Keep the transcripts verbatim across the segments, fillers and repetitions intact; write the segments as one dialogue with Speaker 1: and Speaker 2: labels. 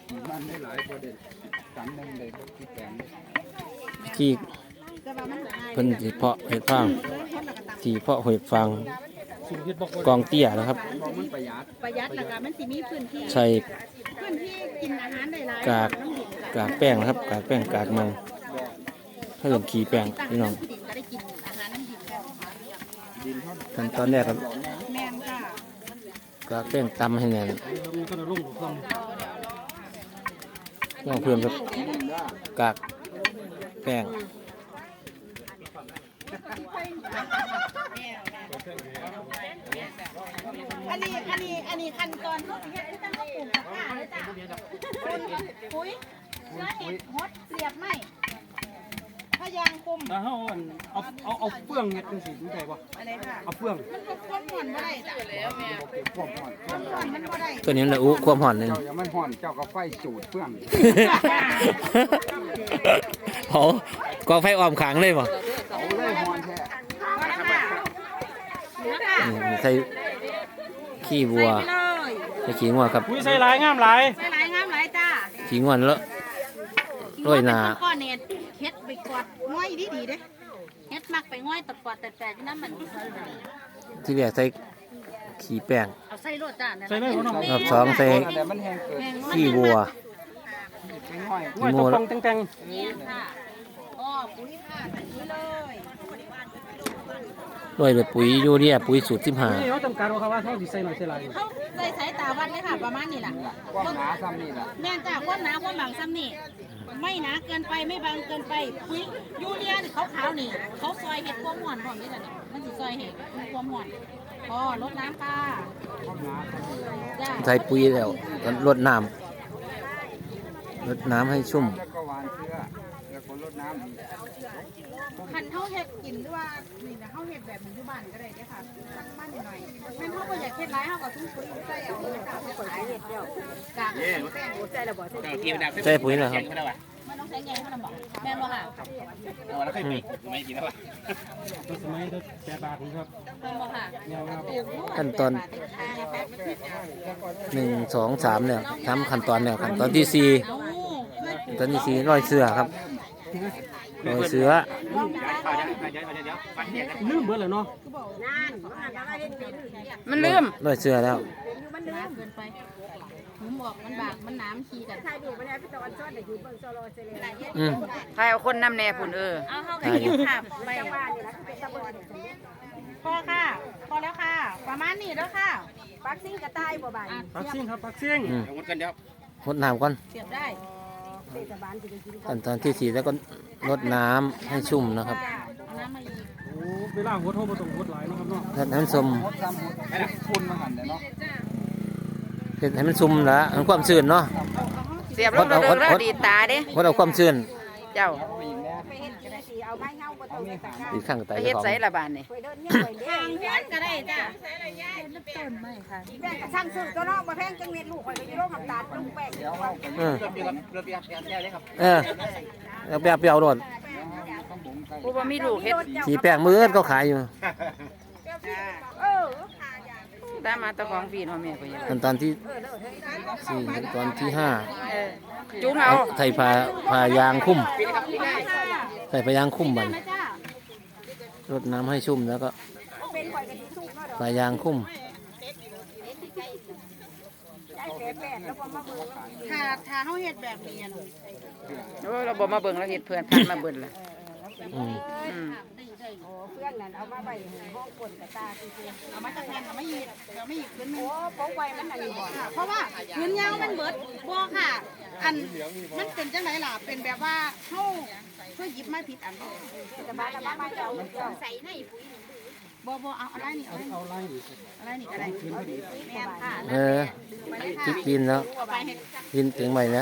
Speaker 1: มันได้หลายประเด็นสามนึงเลยที่แปลง
Speaker 2: ที่เพิ่นสิเพาะเห็ดฟางที่เพาะเห็ดฟางกองเตี้ยนะครับ
Speaker 1: ประหยัด
Speaker 3: ประหยัดแล้วก็มันสิมีพื้นที่
Speaker 2: ใส่
Speaker 3: พื้นที่กินอาหารได้หลาย
Speaker 2: กากกากแป้งนะครับกากแป้งกากมันเพิ่มขี้แป้งพี่น้องขั้นตอนแรกครับกากแป้งตำให้แน่นต้องเพิ่มกับกากแป้ง
Speaker 3: อันนี้อันนี้อันนี้ขั้นตอนเขาสิเฮ็ดที่ตั้งเขาปลูกกับข้าเลยจ้ะปุ๋ยเชื้อเห็ดฮดเสียบไม้พยางคุม
Speaker 4: แล้วเขาเอาเอาเอาเฟื่องเห็ดจังซี่ดูได้บ่
Speaker 3: อะไรค่ะ
Speaker 4: เอาเฟื่อง
Speaker 3: มันก็ความห่อนบ่ได้จ้ะแล้วแม่ความห่อนความห่อนมันบ่ได้
Speaker 2: ตัวนี้แหละอู้ความห่อนเลย
Speaker 1: เจ้าอย่ามันห่อนเจ้าก็ไฟจูดเฟื่อง
Speaker 2: เผากองไฟอ้อมขางเลยบ่
Speaker 1: เอาเลยห่อนแท้
Speaker 2: ใส่ขี้วัวใส่ขี้งัวครับ
Speaker 4: อุ้ยใส่หลายงามหลาย
Speaker 3: ใส่หลายงามหลายจ้า
Speaker 2: ขี้งัวแล้วโรยหน้า
Speaker 3: ก้อนเน็ตเฮ็ดไปกอดง่อยดีๆเด้เฮ็ดมักไปง่อยตะกอดแต่แต่ที่นั้นมัน
Speaker 2: ที่แรกใส่ขี้แป้ง
Speaker 3: เอาใส่รสจ้า
Speaker 4: ใส่เลยบ่น้อง
Speaker 2: รอบสองใส่ขี้วัว
Speaker 4: ง่อยตกแต่งแต่ง
Speaker 3: นี่ค่ะอ๋อปุ๋ยค่ะใส่ปุ๋ยเลย
Speaker 2: โรยด้วยปุ๋ยยูเรียปุ๋ยสูตรสิบห้า
Speaker 4: นี่เขาจำกัดว่าเขาว่าเขาสิใส่หน่อยใส่หลาย
Speaker 3: เขาใส่สายตาวัดเลยค่ะประมาณนี้ล่ะ
Speaker 1: ความหนาซ้ำนี่ล่ะ
Speaker 3: แม่นจ้าความหนาความบางซ้ำนี่ไม่หนาเกินไปไม่บางเกินไปปุ๋ยยูเรียนี่ขาวๆนี่เขาซอยเห็ดความหวานพร้อมนี่แหละนี่มันสิซอยเห็ดความหวานพอลดน้ำค่ะ
Speaker 2: ใส่ปุ๋ยแล้วลดน้ำลดน้ำให้ชุ่ม
Speaker 1: แล้วก็หวานเชื้อแล้วก็ลดน้ำ
Speaker 3: คันเท่าเห็ดกินหรือว่านี่นะเท่าเห็ดแบบอยู่บ้านก็ได้เด้ค่ะสักมั่นหน่อยแม่นเท่าก็อยากเห็ดร้ายเท่ากับทุ่งปุ๋ยใส่เอาเลยค่ะใส่เห็ดเดียวกากใส่ระเบิด
Speaker 2: ใส่ปุ๋ยนะครับ
Speaker 3: มันต้องใช้ไงเขาบอกแม่นบ่ค่ะ
Speaker 4: เอาแล้วค่อยปิดไม่กินแล้วล่ะตัวสมัยตัวแปดบาทครับ
Speaker 3: แม่นบ่ค่ะ
Speaker 2: ขั้นตอนหนึ่งสองสามเนี่ยทำขั้นตอนเนี่ยขั้นตอนที่สี่ตอนที่สี่ร้อยเสื้อครับร้อยเสื้อ
Speaker 4: ลืมเบิดเลยเนาะ
Speaker 3: มันลืม
Speaker 2: ร้อยเสื้อแล้ว
Speaker 3: มันลืมเกินไปมันบอกมันบากมันน้ำขี้กันใช่ดูมันพี่ตอนซ้อนแต่อยู่เบิ่งโซโลเซเล
Speaker 2: อืม
Speaker 3: ใครเอาคนน้ำแน่ผุนเออเอาเข้าไปกินค่ะไปพอค่ะพอแล้วค่ะประมาณนี้แล้วค่ะปักซิ่งกระต่ายบ่บ่าย
Speaker 4: ปักซิ่งครับปักซิ่ง
Speaker 2: หดกันเดี๋ยวหดน้ำก่อน
Speaker 3: เสียบได้
Speaker 2: ขั้นตอนที่สี่แล้วก็ลดน้ำให้ชุ่มนะครับ
Speaker 3: น้ำมาอีก
Speaker 4: โอ้เวลาหัวโทรมาตรงหัวไหลนะครับเนาะ
Speaker 2: ให้มันซุ่ม
Speaker 1: คุณมาหันเนาะ
Speaker 2: เห็นให้มันซุ่มแล้วมันความชื้นเนาะ
Speaker 3: เสียบลงเรื่องดีตาเด้
Speaker 2: พอเราความชื้น
Speaker 3: เจ้า
Speaker 2: อีกข้างไต
Speaker 3: เฮ็ดใส่ละบานนี่ทางเฮ็ดก็ได้จ้ะต้นไม้ค่ะแบ่งช่างซื้อตัวน้องมาแพงจังเม็ดลูกข่อยไปโรงน้ำตาลลุงแป้ง
Speaker 2: เออเออแล้วแป๊บเปรี้ยวโดน
Speaker 3: ผู้บ่มีลูกเฮ็ด
Speaker 2: สีแป้งมือก็ขายอยู่
Speaker 3: เออตามมาตะของพี่น้องแม่ก็ยัง
Speaker 2: ขั้นตอนที่สี่ขั้นตอนที่ห้า
Speaker 3: จุ้งเอา
Speaker 2: ใส่ผ้าผ้ายางคุ้มใส่ผ้ายางคุ้มมันรดน้ำให้ชุ่มแล้วก็ผ้ายางคุ้ม
Speaker 3: ถ้าถ้าเฮาเฮ็ดแบบนี้
Speaker 5: โอ้เราบ่มาเบิ่งเราเฮ็ดเพื่อนพันมาเบิ่งล่ะ
Speaker 2: อืม
Speaker 3: เพื่อนนั่นเอามาไว้ห้องปนกับตาซื่อๆเอามาตะแคงเอามาอีกเอามาอีกขึ้นนึงโอ้โป๊กไว้มันอันนี้บ่เพราะว่าเงินยาวมันเบิดบ่ค่ะอันมันเป็นจังได๋ล่ะเป็นแบบว่าเฮาเพื่อหยิบมาผิดอันจะมาแล้วมาเอาใส่ในปุ๋ยบ่บ่เอาอะไรนี่เอาอะไรอะไรนี่ก็ได้แม่นค่ะ
Speaker 2: เออคิดกินแล้วกินถึงใหม่แล้ว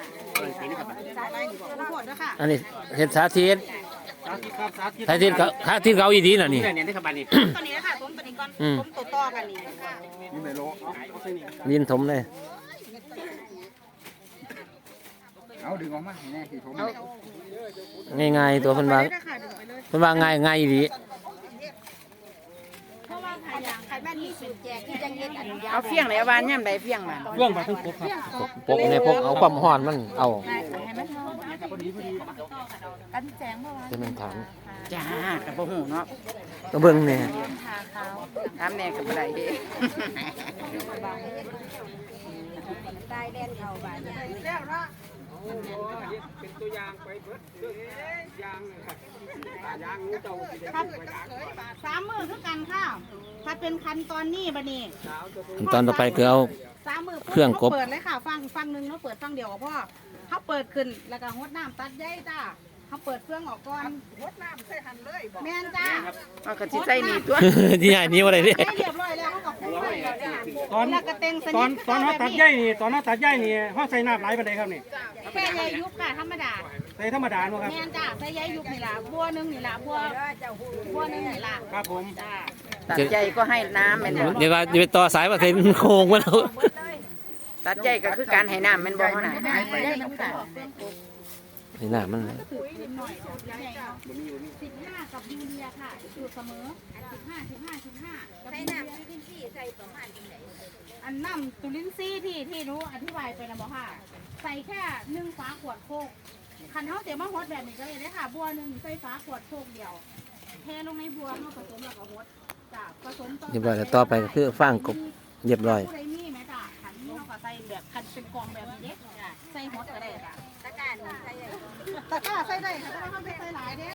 Speaker 2: อันนี้เห็ดสาธิตสาธิตเขาสาธิตเขาอีดีน่ะนี่
Speaker 3: ตัวนี้ค่ะผมตัวนี้ก่อนผมตัวต่อกันนี่
Speaker 1: นี่ไม่รู้
Speaker 2: ลินถมเลย
Speaker 1: เอาดึงออกมาแน่ที่ผม
Speaker 2: ง่ายๆตัวเพิ่นว่าเพิ่นว่าง่ายง่ายดี
Speaker 3: เพราะว่าใครแม่นมีสูตรแจกที่จังเฮ็ดอันยาว
Speaker 5: เอาเฟี้ยงไหนเอาบานย่ำใดเฟี้ยงบาน
Speaker 4: เรื่องบาดทั้งครบครับ
Speaker 2: ปกในพกเอาความร้อนมันเอา
Speaker 3: กันแจงบ่ว่า
Speaker 2: จะเป็นถาม
Speaker 5: จ้ากับบ่หูเนาะ
Speaker 2: ก็เบิ่งเนี่ย
Speaker 5: ถามแน่กับบ่ได้เด้
Speaker 3: ตายแดนเข้าบ้านแล้วเนาะเป็นตัวอย่างไปเบิดเรื่องยางยางงูเจ้าครับสามมื้อคือกันค่ะถ้าเป็นคันตอนนี้บัดนี้
Speaker 2: ขั้นตอนต่อไปคือเอา
Speaker 3: สามมือ
Speaker 2: เครื่องกบ
Speaker 3: เปิดเลยค่ะฟังฟังหนึ่งแล้วเปิดฟังเดียวกับพ่อเขาเปิดขึ้นแล้วก็หดน้ำตัดใยจ้าเขาเปิดเครื่องออกก่อนหดน้ำใส่หันเลยแม่นจ้า
Speaker 5: เอาก็สิใส่นี่ตัว
Speaker 2: ที่ใหญ่นี้ว่าอะไรเนี่ย
Speaker 3: ใส่เรียบร้อยแล้วเขาก็คุ้มไว้แล้วจ้า
Speaker 4: ตอน
Speaker 3: แล้วก็เต็งส
Speaker 4: ต
Speaker 3: นิ
Speaker 4: อน
Speaker 3: ท
Speaker 4: ตอนเขาตัดใยนี่ตอนเขาตัดใยนี่เขาใส่น้ำหลายปานใดครับนี่
Speaker 3: แค่ใยยุบค่ะธรรมดา
Speaker 4: ใส่ธรรมดาเนาะครับ
Speaker 3: แม่นจ้าใส่ใยยุบนี่ล่ะบัวหนึงนี่ล่ะบัวบัวหนึงนี่ล่ะ
Speaker 4: ครับผม
Speaker 3: จ้า
Speaker 5: ตัดใจก็ให้น้ำแม่นบ่
Speaker 2: เดี๋ยวว่าจะไปต่อสายมาเซ็นโค้งมาแล้ว
Speaker 5: ตัดใจก็คือการให้น้ำแม่นบ่เฮาน่ะ
Speaker 3: ได้น้ำตาล
Speaker 2: นี่หน้ามัน
Speaker 3: ถือนิดหน่อยใหญ่เนาะสิบห้ากับยูเรียค่ะอยู่เสมอสิบห้าสิบห้าสิบห้าใส่น้ำจุลินทรีย์ใส่ประมาณไหนอันน้ำจุลินทรีย์ที่ที่รู้อธิบายไปนะบอกค่ะใส่แค่หนึ่งฝาขวดโคกคันเขาเสียมาฮดแบบนี้ก็เลยได้ค่ะบัวหนึ่งใส่ฝาขวดโคกเดียวเทลงในบัวเขาผสมแล้วก็ฮดจ้ะผสมต่อ
Speaker 2: เรียบร้อยแล้วต่อไปก็คือฟางกบเรียบร้อย
Speaker 3: ผู้ใดมีไหมจ้ะคันนี้เขาก็ใส่แบบคันเป็นกองแบบนี้เด็กใส่ฮดก็ได้จ้ะตะกร้าใส่ได้ตะกร้าใส่ได้ค่ะเพราะว่าเขาไม่ใส่หลายเด้